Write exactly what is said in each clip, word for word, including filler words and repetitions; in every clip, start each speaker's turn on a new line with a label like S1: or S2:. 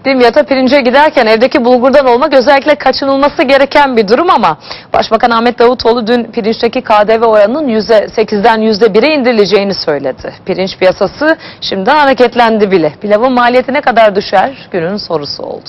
S1: Dimyat'a pirince giderken evdeki bulgurdan olmak özellikle kaçınılması gereken bir durum ama Başbakan Ahmet Davutoğlu dün pirinçteki K D V oranının yüzde sekizden yüzde bire indirileceğini söyledi. Pirinç piyasası şimdiden hareketlendi bile. Pilavın maliyeti ne kadar düşer? Günün sorusu oldu.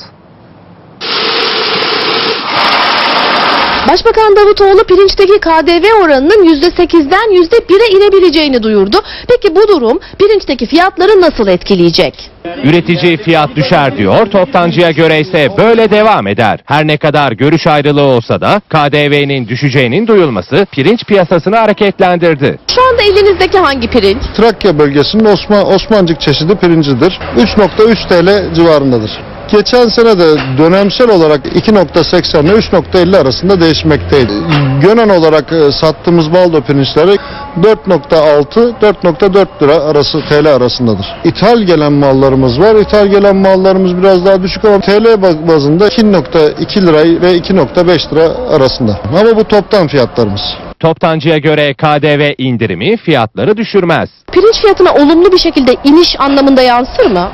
S2: Başbakan Davutoğlu pirinçteki K D V oranının yüzde sekizden yüzde bire inebileceğini duyurdu. Peki bu durum pirinçteki fiyatları nasıl etkileyecek?
S3: Üretici fiyat düşer diyor, toptancıya göre ise böyle devam eder. Her ne kadar görüş ayrılığı olsa da K D V'nin düşeceğinin duyulması pirinç piyasasını hareketlendirdi.
S2: Şu anda elinizdeki hangi pirinç?
S4: Trakya bölgesinin Osman, Osmancık çeşidi pirincidir. üç nokta üç TL civarındadır. Geçen sene de dönemsel olarak iki nokta seksen ile üç nokta elli arasında değişmekteydi. Gönen olarak sattığımız baldo pirinçleri dört nokta altı dört nokta dört lira arası T L arasındadır. İthal gelen mallarımız var. İthal gelen mallarımız biraz daha düşük ama T L bazında iki nokta iki lira ve iki nokta beş lira arasında. Ama bu toptan fiyatlarımız.
S3: Toptancıya göre K D V indirimi fiyatları düşürmez.
S2: Pirinç fiyatına olumlu bir şekilde iniş anlamında yansır mı?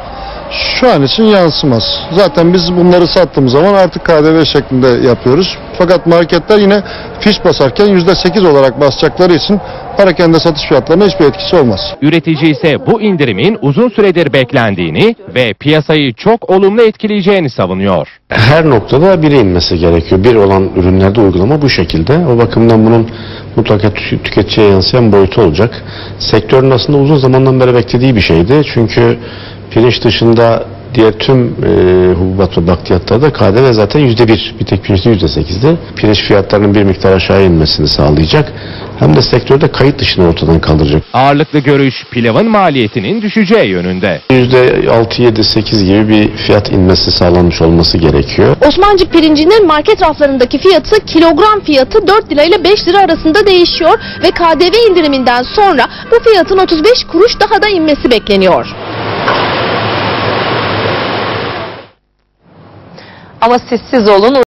S4: Şu an için yansımaz. Zaten biz bunları sattığımız zaman artık K D V şeklinde yapıyoruz. Fakat marketler yine fiş basarken yüzde sekiz olarak basacakları için parakende satış fiyatlarına hiçbir etkisi olmaz.
S3: Üretici ise bu indirimin uzun süredir beklendiğini ve piyasayı çok olumlu etkileyeceğini savunuyor.
S5: Her noktada bire inmesi gerekiyor. Bir olan ürünlerde uygulama bu şekilde. O bakımdan bunun mutlaka tüketiciye yansıyan boyutu olacak. Sektörün aslında uzun zamandan beri beklediği bir şeydi. Çünkü pirinç dışında diğer tüm e, hububat ve bakliyatlarda K D V zaten yüzde bir, bir tek pirinçte yüzde sekizdi. Pirinç fiyatlarının bir miktar aşağı inmesini sağlayacak. Hem de sektörde kayıt dışını ortadan kaldıracak.
S3: Ağırlıklı görüş pilavın maliyetinin düşeceği yönünde.
S5: yüzde altı yedi sekiz gibi bir fiyat inmesi sağlanmış olması gerekiyor.
S2: Osmancık pirincinin market raflarındaki fiyatı kilogram fiyatı dört lira ile beş lira arasında değişiyor ve K D V indiriminden sonra bu fiyatın otuz beş kuruş daha da inmesi bekleniyor.
S1: Ama siz siz olun.